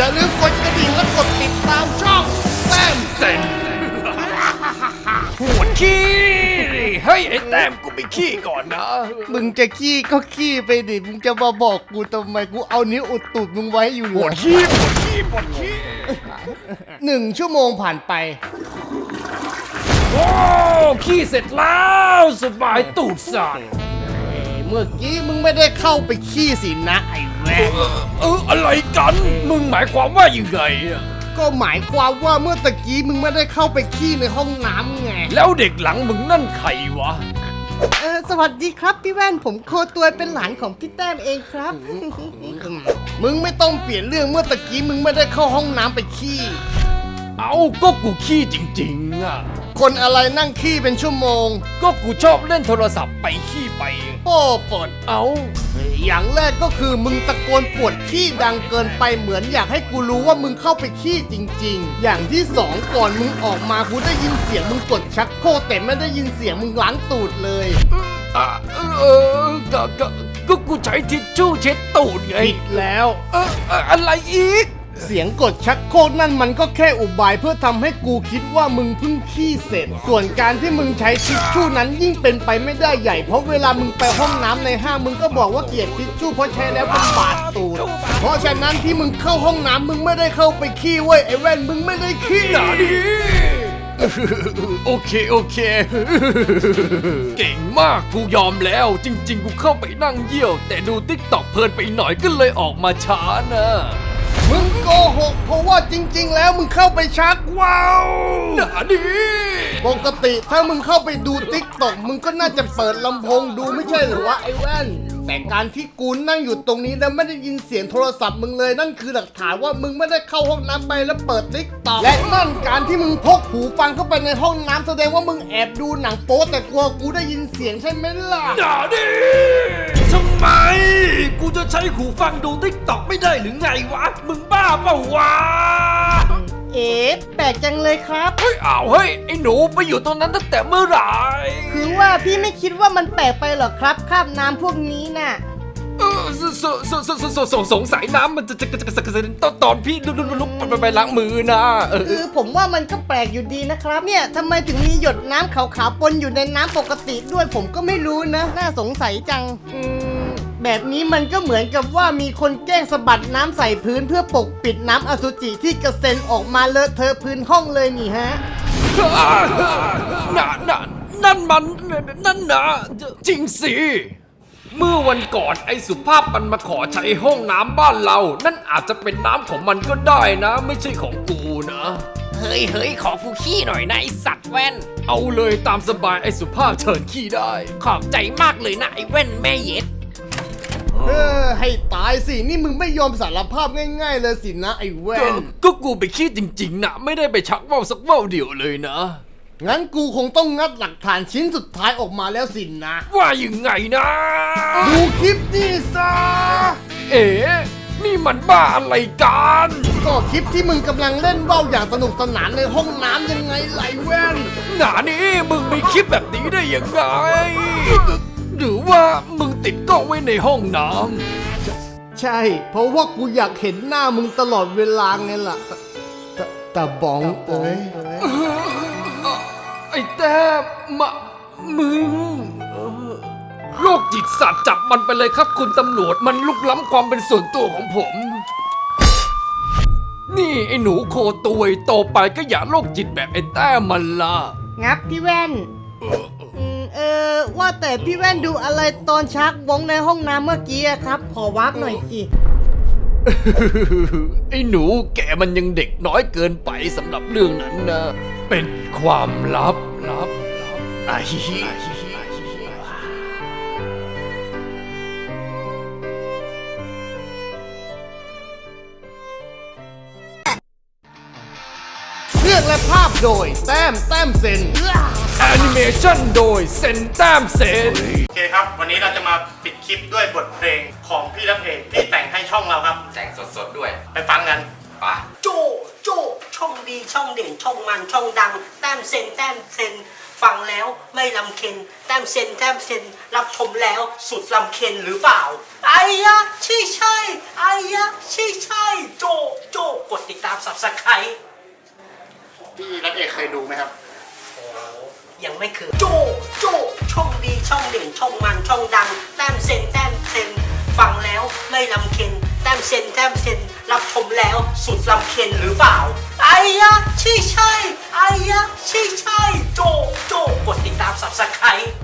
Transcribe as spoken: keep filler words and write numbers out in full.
อย่าลืมกดกระดิ่งและกดติดตามช่องแต้มเซนปวดขี้เฮ้ยไอ้แต้มกูไปขี้ก่อนนะมึงจะขี้ก็ขี้ไปดิมึงจะมาบอกกูทำไมกูเอานิ้วอุดตูดมึงไว้อยู่ปวดขี้ปวดขี้ปวดขี้หนึ่งชั่วโมงผ่านไปโอ้ขี้เสร็จแล้วสบายตูดสั่นเมื่อกี้มึงไม่ได้เข้าไปขี้สินะไอ้แว่นเอออะไรกันมึงหมายความว่ายังไงอะก็หมายความว่าเมื่อตะกี้มึงไม่ได้เข้าไปขี้ในห้องน้ำไงแล้วเด็กหลังมึงนั่นใครวะเออสวัสดีครับพี่แว่นผมโคตัวเป็นหลานของพี่แต้มเองครับมึงไม่ต้องเปลี่ยนเรื่องเมื่อตะกี้มึงไม่ได้เข้าห้องน้ำไปขี้เอาก็กูขี้จริงๆอ่ะคนอะไรนั่งขี้เป็นชั่วโมงก็กูชอบเล่นโทรศัพท์ไปขี้ไปโป้ปดเอาอย่างแรกก็คือมึงตะโกนปวดขี้ดังเกินไปเหมือนอยากให้กูรู้ว่ามึงเข้าไปขี้จริงๆอย่างที่สองก่อนมึงออกมากูได้ยินเสียงมึงกดชักโครกแต่ไม่ได้ยินเสียงมึงล้างตูดเลยอ่ะเออก็ก็ก็กูใช้ทิชชู่เช็ดตูดไงผิดแล้วเอออะไรอีกเสียงกดชักโครกนั่นมันก็แค่อุบายเพื่อทำให้กูคิดว่ามึงเพิ่งขี้เสร็จส่วนการที่มึงใช้ทิชชู่นั้นยิ่งเป็นไปไม่ได้ใหญ่เพราะเวลามึงไปห้องน้ำในห้างมึงก็บอกว่าเกลียดทิชชู่เพราะใช้แล้วมันบาดตูดเพราะฉะนั้นที่มึงเข้าห้องน้ำมึงไม่ได้เข้าไปขี้เว้ยไอ้แว่นมึงไม่ได้ขี้หนาดิโอเคโอเคเก่งมากกูยอมแล้วจริงๆกูเข้าไปนั่งเยี่ยวแต่ดูติ๊กต็อกเพลินไปหน่อยก็เลยออกมาช้านะมึงโกหกเพราะว่าจริงๆแล้วมึงเข้าไปชักว้าวหนาดิปกติถ้ามึงเข้าไปดูติ๊กต็อกมึงก็น่าจะเปิดลำโพงดูไม่ใช่หรือวะไอ้แว่นแต่การที่กูนั่งอยู่ตรงนี้แล้วไม่ได้ยินเสียงโทรศัพท์มึงเลยนั่นคือหลักฐานว่ามึงไม่ได้เข้าห้องน้ำไปแล้วเปิดติ๊กต็อกและนั่นการที่มึงพกหูฟังเข้าไปในห้องน้ำแสดงว่ามึงแอบดูหนังโป๊แต่กลัวกูได้ยินเสียงใช่ไหมล่ะหนาดิทำไมกูจะใช้หูฟังดูติ๊กต็อกไม่ได้หรือไงวะมึงบ้าเปล่าวะเอ๊ะแปลกจังเลยครับเฮ้ยอ้าวเฮ้ยไอ้หนูไปอยู่ตรงนั้นตั้งแต่เมื่อไหร่คือว่าพี่ไม่คิดว่ามันแปลกไปหรอครับคราบน้ำพวกนี้น่ะเออสสสสสสสงสัยน้ำมันจะจะจะจะจะตอนตอนพี่ลุกลุกไปไปล้างมือนะคือผมว่ามันก็แปลกอยู่ดีนะครับเนี่ยทำไมถึงมีหยดน้ำขาวๆปนอยู่ในน้ำปกติด้วยผมก็ไม่รู้นะน่าสงสัยจังอืมแบบนี้มันก็เหมือนกับว่ามีคนแกล้งสะบัดน้ำใส่พื้นเพื่อปกปิดน้ำอสุจิที่กระเซ็นออกมาเลอะเทอะพื้นห้องเลยนี่ฮะนั่นนั่นนั่นมันนั่นนะจริงสิเมื่อวันก่อนไอ้สุภาพมันมาขอใช้ห้องน้ำบ้านเรานั่นอาจจะเป็นน้ำของมันก็ได้นะไม่ใช่ของกูนะเฮ้ยเฮ้ยขอกูขี้หน่อยนะไอสัตว์แว่นเอาเลยตามสบายไอ้สุภาพเชิญขี้ได้ขอบใจมากเลยนะไอแว่นแม่เย็ดเออให้ตายสินี่มึงไม่ยอมสารภาพง่ายๆเลยสินะไอ้แว่นก็กูไปขี้จริงๆนะไม่ได้ไปชักว่าวสักว่าวเดียวเลยนะงั้นกูคงต้องงัดหลักฐานชิ้นสุดท้ายออกมาแล้วสินะว่ายังไงนะดูคลิปนี่ซะเอ๋นี่มันบ้าอะไรกันก็คลิปที่มึงกำลังเล่นว่าวอย่างสนุกสนานในห้องน้ำยังไงไหลแว่นหนานี่มึงมีคลิปแบบนี้ได้ยังไงหรือว่ามึงติดกล้องไว้ในห้องน้ำใช่เพราะว่ากูอยากเห็นหน้ามึงตลอดเวลาไงล่ะตาบ้องเอ้ยไอ้แต้มะมึงโรคจิตสัตว์จับมันไปเลยครับคุณตำรวจมันลุกล้ำความเป็นส่วนตัวของผมนี่ไอ้หนูโคตุยโตไปก็อย่าโรคจิตแบบไอ้แต้มันล่ะงับพี่แว่นเออว่าแต่พี่แว่นดูอะไรตอนชักวงในห้องน้ำเมื่อกี้ครับขอวักหน่อยสิไอ้หนูแกมันยังเด็กน้อยเกินไปสำหรับเรื่องนั้นนะเป็นความลับลับอาฮิฮิเรื่องและภาพโดยแต้มแต้มเซนแอนิเมชันโดยเซนแต้มเซนโอเคครับวันนี้เราจะมาปิดคลิปด้วยบทเพลงของพี่รักเอกที่แต่งให้ช่องเราครับแต่งสดๆด้วยไปฟังกันไปโจโจช่องดีช่องเด่นช่องมันช่องดังแต้มเซนแต้มเซนฟังแล้วไม่ลำเค็นแต้มเซนแต้มเซนรับชมแล้วสุดลำเค็นหรือเปล่าไอ้ยะใช่ใช่ไอ้ยะใช่ใช่โจโจ Subscribe พี่รับเอกเคยดูไหมครับยังไม่เคยโจโจช่องดีช่องเด่นช่องมันช่องดังแต้มเซนแต้มเซนฟังแล้วไม่ลำเค็นแต้มเซนแต้มเซนรับชมแล้วสุดลำเค็นหรือเปล่าไอ้ยะใช่ใช่ไอ้ยะใช่ใช่โจโจกดติดตาม Subscribe